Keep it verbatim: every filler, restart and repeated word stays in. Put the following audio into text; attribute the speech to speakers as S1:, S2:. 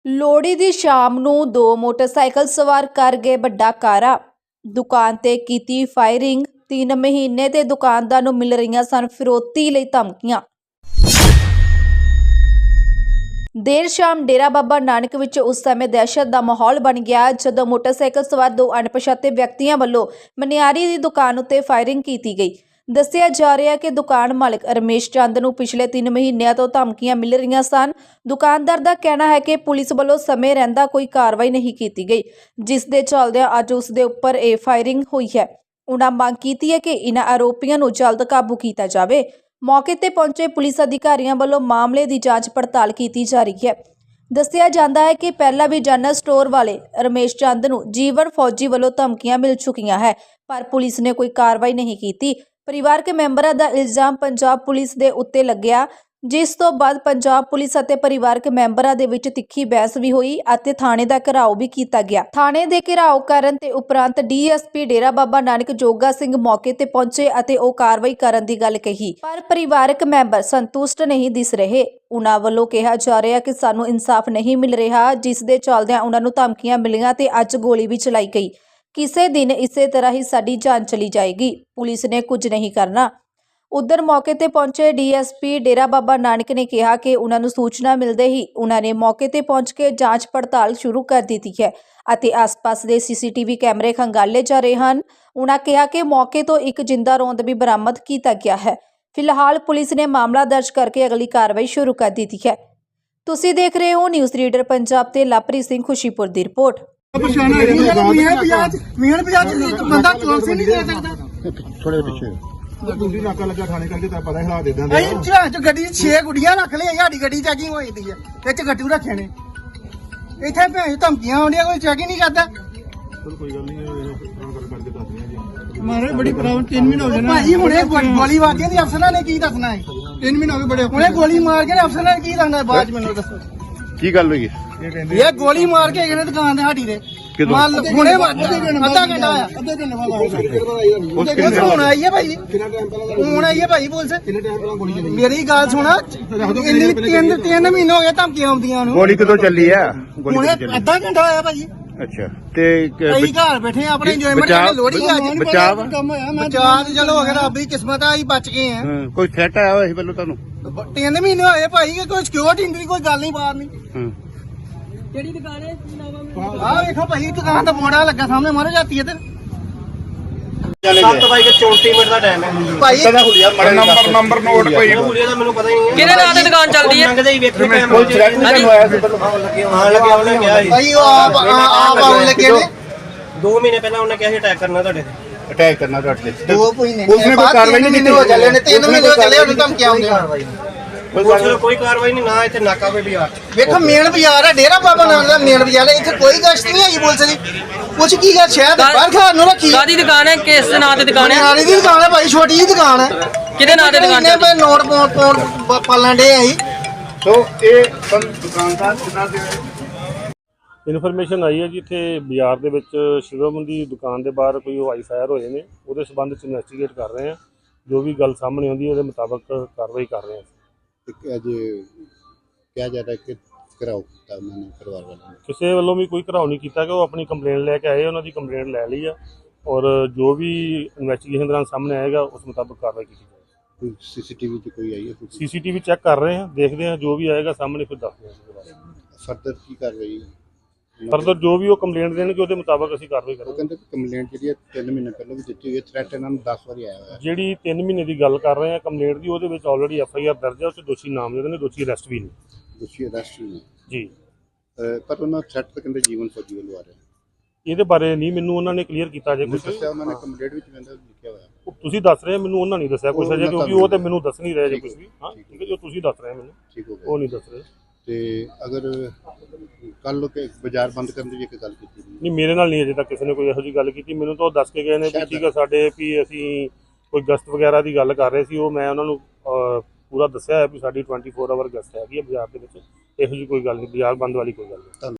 S1: ਲੋਹੜੀ ਦੀ ਸ਼ਾਮ ਨੂੰ ਦੋ ਮੋਟਰਸਾਈਕਲ ਸਵਾਰ ਕਰ ਗਏ ਵੱਡਾ ਕਾਰਾ। ਦੁਕਾਨ ਤੇ ਕੀਤੀ ਫਾਇਰਿੰਗ। तीन महीने ਤੇ ਦੁਕਾਨਦਾਰ ਨੂੰ ਮਿਲ ਰਹੀਆਂ ਸਨ ਫਿਰੌਤੀ ਲਈ ਧਮਕੀਆਂ। देर शाम डेरा बाबा नानक विच उस समय दहशत का माहौल बन गया जदों मोटरसाइकिल सवार दो अणपछाते व्यक्तियों वालों मनियारी की दुकान उत्ते फायरिंग की गई। दस्सिया जा रहा है कि दुकान मालिक रमेश चंद नूं पिछले तीन महीनों तो धमकियां मिल रही सन। दुकानदार का कहना है कि पुलिस वालों समय रहिंदा कोई कार्रवाई नहीं की गई, जिस दे चलदिआं अज उस दे उपर यह फायरिंग हुई है। उन्होंने मांग की है कि इन्हां आरोपियों नूं जल्द काबू किया जाए। मौके ते पहुंचे पुलिस अधिकारियों वालों मामले की जांच पड़ताल की जा रही है। दस्सिया जाता है कि पहला भी जनरल स्टोर वाले रमेश चंद नूं जीवन फौजी वालों धमकियां मिल चुकियां है, पर पुलिस ने कोई कार्रवाई नहीं की। परिवारक मैंबरां दा इल्जाम पंजाब पुलिस दे उत्ते लग्या, जिस तो बाद पंजाब पुलिस अते परिवारक मैंबरां दे विच तिखी बहस भी हुई अते थाणे दा घेराव भी किया गया। थाणे दे घेराव करन ते उपरंत D S P Dera Baba Nanak Joga Singh मौके ते पहुंचे अते ओ कार्रवाई करन दी गल कही, पर परिवारक मैंबर संतुष्ट नहीं दिस रहे। उन्हां वल्लों कहा जा रहा कि सानूं इंसाफ नहीं मिल रहा, जिस दे चलदिआं उन्हां नूं धमकियां मिलीआं ते अज गोली भी चलाई गई। किसी दिन इसे तरह ही साडी जान चली जाएगी, पुलिस ने कुछ नहीं करना। उधर मौके ते पहुंचे D S P Dera Baba Nanak ने कहा कि उन्होंने सूचना मिलते ही उन्होंने मौके ते पहुंच के जांच पड़ताल शुरू कर दी है अते आस पास के सी सी टी वी कैमरे खंगाले जा रहे हैं। उन्होंने कहा कि मौके तो एक जिंदा रौंद भी बरामद किया गया है। फिलहाल पुलिस ने मामला दर्ज करके अगली कार्रवाई शुरू कर दी है। तुसीं देख रहे हो न्यूज़ रीडर पंजाब ते लापरी सिंह खुशीपुर की रिपोर्ट।
S2: दूसरी नाका लगा खाने करके तो पता हिला दे देंगे अच्छा जो गड्डी छे गुड़ियां रख ले साडी गड्डी चैकिंग होई दी है इच गड्डू रखे ने इथे भैन धमकियां आउंदियां कोई चैकिंग नहीं करदा। चल कोई गल नहीं कर करके दस दियां जी मारे बड़ी प्रॉब्लम तीन महीने हो गए ना भाई हुणे गोली मार के अफसरां ने की दसना है तीन महीने हो गए बड़े हुणे गोली मार के अफसरां ने की दसना है बाद मेनू दसो की गल होई ये गोली मार के गए दुकान ते साडी दे माल हुणे आधा घंटा आया आधे घंटे बाद फोन आई है भाई फोन आई है भाई बोल से मेरी गल सुना इन्नी तीन तीन महीने हो गए धमकियां आउंदियां नूं गोली कदों चली है हुणे आधा घंटा आया भाई। अच्छा ते कई घर बैठे अपने एंजॉयमेंट करने लोहड़ी आज बचाव बचाव चलो अगर रब दी किस्मत आई बच गए हैं। कोई थ्रेट आया होया सी पहले तुहानूं तीन महीने होए भाई कोई सिक्योरिटी नहीं कोई गल नहीं बाहर नहीं ਕਿਹੜੀ ਦੁਕਾਨ ਹੈ ਆਹ ਵੇਖੋ ਭਾਈ ਦੁਕਾਨ ਦਾ ਮੋੜਾ ਲੱਗਾ ਸਾਹਮਣੇ ਮਾਰੇ ਜਾਂਦੀ ਹੈ ਤੇ ਸੱਤ ਵਜੇ ਚੌਂਤੀ ਮਿੰਟ ਦਾ ਟਾਈਮ ਹੈ ਭਾਈ ਕਿਹਦਾ ਹੁਲੀਆ ਨੰਬਰ ਨੰਬਰ ਨੋਟ ਕੋਈ ਹੁਲੀਆ ਦਾ ਮੈਨੂੰ ਪਤਾ ਹੀ ਨਹੀਂ ਕਿਹਦੇ ਨਾਂ ਤੇ ਦੁਕਾਨ ਚੱਲਦੀ ਹੈ ਲੰਘਦੇ ਹੀ ਵੇਖੋ ਟਾਈਮ ਕੋਈ ਥ੍ਰੈਟ ਨਹੀਂ ਹੋਇਆ ਸੀ ਹਾਂ ਲੱਗਿਆ ਉਹਨੇ ਕਿਹਾ ਸੀ ਭਾਈ ਉਹ ਆਪ ਆਪ ਆਉਣ ਲੱਗੇ ਨੇ ਦੋ ਮਹੀਨੇ ਪਹਿਲਾਂ ਉਹਨੇ ਕਿਹਾ ਸੀ ਅਟੈਕ ਕਰਨਾ ਤੁਹਾਡੇ ਤੇ ਅਟੈਕ ਕਰਨਾ ਤੁਹਾਡੇ ਤੇ ਦੋ ਮਹੀਨੇ ਉਸਨੇ ਕੋਈ ਕਾਰਵਾਈ ਨਹੀਂ ਕੀਤੀ ਹੋ ਚੱਲੇ ਨੇ ਤਿੰਨ ਮਹੀਨੇ ਹੋ ਚੱਲੇ ਉਹਨੂੰ ਧਮਕੀ ਆਉਂਦੀ कोई कार्रवाई नहीं ना इतने नाका पे बाजार देखो मेन बाजार है डेरा बाबा नानक का मेन बाजार है इतने कोई गश्त नहीं आई बोल सकती कुछ की गल शायद बाहर खान नु रखी कादी दुकान है किस नाम ते दुकान है नारी दी दुकान है भाई छोटी जी दुकान है किदे नाम ते दुकान है मैं नोट पोट पोट पालन डे आई तो ए दुकानदार कितना दे
S3: ਇਨਫੋਰਮੇਸ਼ਨ ਆਈ ਹੈ ਜੀ ਇੱਥੇ ਬਾਜ਼ਾਰ ਦੇ ਵਿੱਚ ਸ਼ਿਵਮ ਦੀ ਦੁਕਾਨ ਦੇ ਬਾਹਰ ਕੋਈ ਹਵਾਈ ਫਾਇਰ ਹੋਏ ਨੇ, ਉਹਦੇ ਸੰਬੰਧ ਵਿੱਚ ਇਨਵੈਸਟੀਗੇਟ ਕਰ ਰਹੇ ਹਾਂ। ਜੋ ਵੀ ਗੱਲ ਸਾਹਮਣੇ ਆਉਂਦੀ ਹੈ ਉਹਦੇ ਮੁਤਾਬਕ ਕਾਰਵਾਈ ਕਰ ਰਹੇ ਹਾਂ।
S4: ਅੱਜ ਕਿਹਾ ਜਾ ਰਿਹਾ ਕਿ ਘਰਾਓ ਕੀਤਾ ਉਹਨਾਂ ਨੇ ਪਰਿਵਾਰ ਵਾਲਿਆਂ ਨੇ
S3: ਕਿਸੇ ਵੱਲੋਂ ਵੀ ਕੋਈ ਘਰਾਓ ਨਹੀਂ ਕੀਤਾ ਕਿ ਉਹ ਆਪਣੀ ਕੰਪਲੇਂਟ ਲੈ ਕੇ ਆਏ, ਉਹਨਾਂ ਦੀ ਕੰਪਲੇਂਟ ਲੈ ਲਈ ਆ ਔਰ ਜੋ ਵੀ ਇਨਵੈਸਟੀਗੇਸ਼ਨ ਦੌਰਾਨ ਸਾਹਮਣੇ ਆਏਗਾ ਉਸ ਮੁਤਾਬਕ ਕਾਰਵਾਈ ਕੀਤੀ ਜਾਏਗੀ।
S4: ਕੋਈ ਸੀਸੀਟੀਵੀ 'ਚ ਕੋਈ ਆਈ ਹੈ
S3: ਸੀਸੀਟੀਵੀ ਚੈੱਕ ਕਰ ਰਹੇ ਹਾਂ, ਦੇਖਦੇ ਹਾਂ ਜੋ ਵੀ ਆਏਗਾ ਸਾਹਮਣੇ ਫਿਰ ਦੱਸਦੇ ਹਾਂ।
S4: ਫਰਦਰ ਕੀ ਕਾਰਵਾਈ
S3: ਫਰਦਰ ਜੋ ਵੀ ਉਹ ਕੰਪਲੇਂਟ ਦੇਣਗੇ ਉਹਦੇ ਮੁਤਾਬਕ ਅਸੀਂ ਕਾਰਵਾਈ ਕਰਾਂਗੇ।
S4: ਉਹ ਕਹਿੰਦੇ ਕੰਪਲੇਂਟ ਜਿਹੜੀ ਹੈ ਤਿੰਨ ਮਹੀਨੇ ਪਹਿਲਾਂ ਵੀ ਦਿੱਤੀ ਹੋਈ ਹੈ, ਥ੍ਰੈਟ ਇਹਨਾਂ ਨੂੰ ਦਸ ਵਾਰੀ ਆਇਆ ਹੋਇਆ।
S3: ਜਿਹੜੀ ਤਿੰਨ ਮਹੀਨੇ ਦੀ ਗੱਲ ਕਰ ਰਹੇ ਹਾਂ ਕੰਪਲੇਂਟ ਦੀ, ਉਹਦੇ ਵਿੱਚ ਆਲਰੇਡੀ ਐਫ ਆਈ ਆਰ ਦਰਜ ਹੈ, ਉਸ 'ਚ ਦੋਸ਼ੀ ਨਾਮਜ਼ਦ ਨੇ, ਦੋਸ਼ੀ ਅਰੈਸਟ ਵੀ ਨੇ।
S4: ਦੋਸ਼ੀ ਅਰੈਸਟ ਵੀ ਨੇ
S3: ਜੀ,
S4: ਪਰ ਉਹਨਾਂ ਥ੍ਰੈਟ ਤਾਂ ਕਹਿੰਦੇ ਜੀਵਨ ਫੌਜੀ ਵੱਲੋਂ ਆ ਰਿਹਾ।
S3: ਇਹਦੇ ਬਾਰੇ ਨਹੀਂ ਮੈਨੂੰ ਉਹਨਾਂ ਨੇ ਕਲੀਅਰ ਕੀਤਾ ਜੇ ਕੁਝ
S4: ਦੱਸਿਆ ਉਹਨਾਂ ਨੇ ਕੰਪਲੇਂਟ ਵਿੱਚ ਕਹਿੰਦਾ ਲਿਖਿਆ ਹੋਇਆ।
S3: ਤੁਸੀਂ ਦੱਸ ਰਹੇ ਮੈਨੂੰ ਉਹਨਾਂ ਨਹੀਂ ਦੱਸਿਆ ਕੁਝ ਅਜੇ, ਕਿਉਂਕਿ ਉਹ ਤੇ ਮੈਨੂੰ ਦੱਸ ਨਹੀਂ ਰਹੇ ਜੇ ਕੁਝ ਵੀ। ਹਾਂ ਠੀਕ ਹੈ, ਜੋ ਤੁਸੀਂ ਦੱਸ ਰਹੇ ਮੈਨੂੰ
S4: ਠੀਕ ਹੋ ਗਿਆ,
S3: ਉਹ ਨਹੀਂ ਦੱਸ ਰਹੇ।
S4: ਤੇ ਅਗਰ ਕੱਲ ਲੋਕ ਬਾਜ਼ਾਰ ਬੰਦ ਕਰਨ ਦੀ ਇੱਕ ਗੱਲ ਕੀਤੀ
S3: ਨਹੀਂ, ਮੇਰੇ ਨਾਲ ਨਹੀਂ ਅਜੇ ਤੱਕ ਕਿਸੇ ਨੇ ਕੋਈ ਇਹੋ ਜਿਹੀ ਗੱਲ ਕੀਤੀ। ਮੈਨੂੰ ਤਾਂ ਉਹ ਦੱਸ ਕੇ ਗਏ ਨੇ ਵੀ ਠੀਕ ਹੈ ਸਾਡੇ ਵੀ ਅਸੀਂ ਕੋਈ ਗਸ਼ਤ ਵਗੈਰਾ ਦੀ ਗੱਲ ਕਰ ਰਹੇ ਸੀ, ਉਹ ਮੈਂ ਉਹਨਾਂ ਨੂੰ ਪੂਰਾ ਦੱਸਿਆ ਹੈ ਵੀ ਸਾਡੀ ਟਵੈਂਟੀ ਫੋਰ ਆਵਰ ਗਸ਼ਤ ਹੈਗੀ ਹੈ ਬਾਜ਼ਾਰ ਦੇ ਵਿੱਚ, ਇਹੋ ਜਿਹੀ ਕੋਈ ਗੱਲ ਨਹੀਂ, ਬਾਜ਼ਾਰ ਬੰਦ ਵਾਲੀ ਕੋਈ ਗੱਲ ਨਹੀਂ।